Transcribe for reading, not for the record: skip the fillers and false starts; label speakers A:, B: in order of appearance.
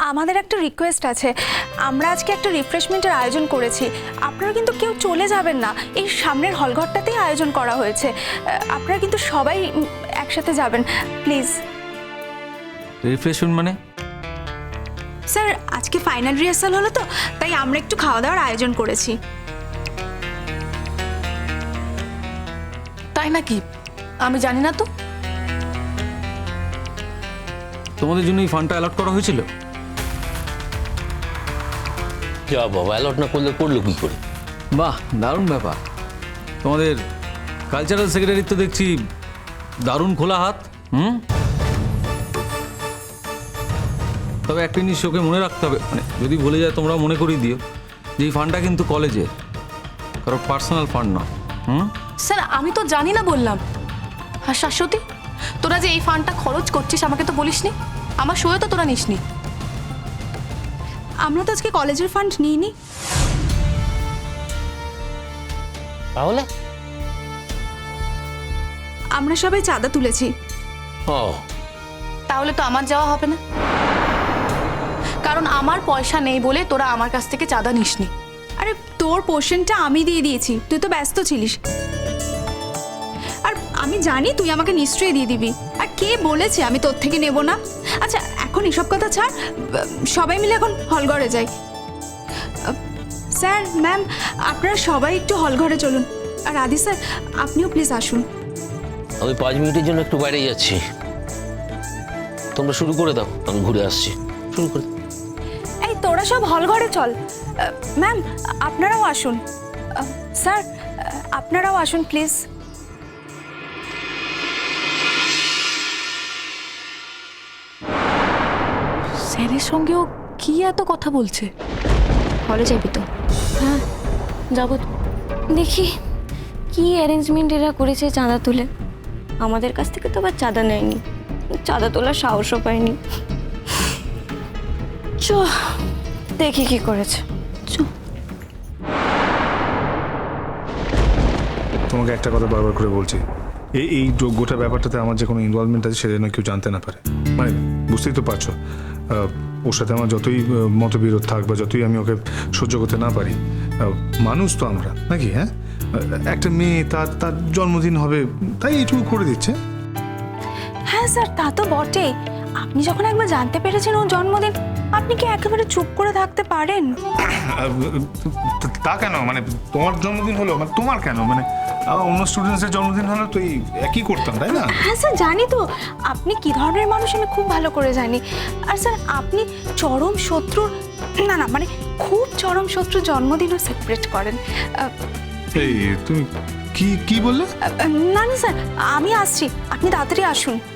A: আমাদের একটা রিকোয়েস্ট আছে। আমরা আজকে একটা রিফ্রেশমেন্টের আয়োজন করেছি, আপনারা কিন্তু কেউ চলে যাবেন না। এই সামনের হলঘরটাতেই আয়োজন করা হয়েছে, আপনারা কিন্তু সবাই একসাথে যাবেন প্লিজ।
B: রিফ্রেশমেন্ট মানে?
A: স্যার আজকে ফাইনাল রিহার্সাল হলো তো, তাই আমরা একটু খাওয়া দাওয়ার আয়োজন করেছি।
C: তাই নাকি? আমি জানি না তো।
B: তোমাদের জন্য এই ফান্ডটা অ্যালট করা হয়েছিল?
D: যা বাবা, অ্যালট না করলে করলো কি করে?
B: বাহ, দারুণ ব্যাপার। তোমাদের কালচারাল সেক্রেটারির তো দেখছি দারুণ খোলা হাত। তবে একটা জিনিস ওকে মনে রাখতে হবে, মানে যদি ভুলে যায় তোমরা মনে করিয়ে দিও যে এই ফান্ডটা কিন্তু কলেজের, কারো পার্সোনাল ফান্ড না।
C: স্যার আমি তো জানি না বললাম। আর শাশ্বতী, তোরা যে এই ফান্ডটা খরচ করছিস আমাকে তো বলিসনি, আমার সইও তো তোরা নিসনি।
A: আমরা তো আজকে কলেজের ফান্ড নিইনি।
D: তাহলে
A: আমরা সবাই চাঁদা তুলেছি।
D: ও,
C: তাহলে তো আমার যাওয়া হবে না, কারণ আমার পয়সা নেই বলে তোরা আমার কাছ থেকে চাঁদা নিসনি।
A: আরে তোর পোর্শনটা আমি দিয়ে দিয়েছি, তুই তো ব্যস্ত ছিলিস। আর আমি জানি তুই আমাকে নিশ্চয়ই দিয়ে দিবি। আর কে বলেছে আমি তোর থেকে নেব না? আচ্ছা এখন এসব কথা ছাড়, সবাই মিলে এখন হলঘরে যাই। স্যার ম্যাম আপনারা সবাই একটু হলঘরে চলুন। আর আদি স্যার আপনিও প্লিজ আসুন।
D: আমি 5 মিনিটের জন্য একটু বাইরে যাচ্ছি, তোমরা শুরু করে দাও, আমি ঘুরে আসছি। শুরু করে
A: এই তোরা সব হলঘরে চল। ম্যাম আপনারাও আসুন। স্যার আপনারাও আসুন প্লিজ।
C: স্যারের সঙ্গেও কি এত কথা বলছে?
E: হলে যাবি তো?
C: হ্যাঁ যাবো তো।
E: দেখি কি অ্যারেঞ্জমেন্ট এরা করেছে চাঁদা তুলে। আমাদের কাছ থেকে তো আবার চাঁদা নেয়নি, চাঁদা তোলার সাহসও পায়নি। চ দেখি কি করেছে।
F: তোমাকে একটা কথা বারবার করে বলছি, এই গোটা ব্যাপারটাতে আমার যে কোনো ইনভলভমেন্ট আছে সেটা যেন কেউ জানতে না পারে। মানে বুঝতেই তো পারছো, ওর সাথে আমার যতই মতবিরোধ থাক বা যতই আমি ওকে সহ্য করতে না পারি, মানুষ তো আমরা নাকি? হ্যাঁ, একটা মেয়ে তার জন্মদিন হবে তাই এইটুকু করে দিচ্ছে।
A: হ্যাঁ স্যার তা তো বটে। আপনি যখন একবার জানতে পেরেছেন ওর জন্মদিন, আপনি কি একেবারে চুপ করে থাকতে পারেন?
F: তা কেন? মানে তোমার জন্মদিন হলো, মানে তোমার কেন? মানে অন্য স্টুডেন্টসের জন্মদিন হলো তো এই একই করতাম, তাই না?
A: হ্যাঁ স্যার জানি তো আপনি কি ধরনের মানুষ আমি খুব ভালো করে জানি। আর স্যার আপনি চরম শত্রুর, না না মানে খুব চরম শত্রুর জন্মদিনও সেলিব্রেট করেন।
F: এই তুমি কি বললে?
A: না না স্যার আমি আসছি, আপনি তাড়াতাড়ি আসুন।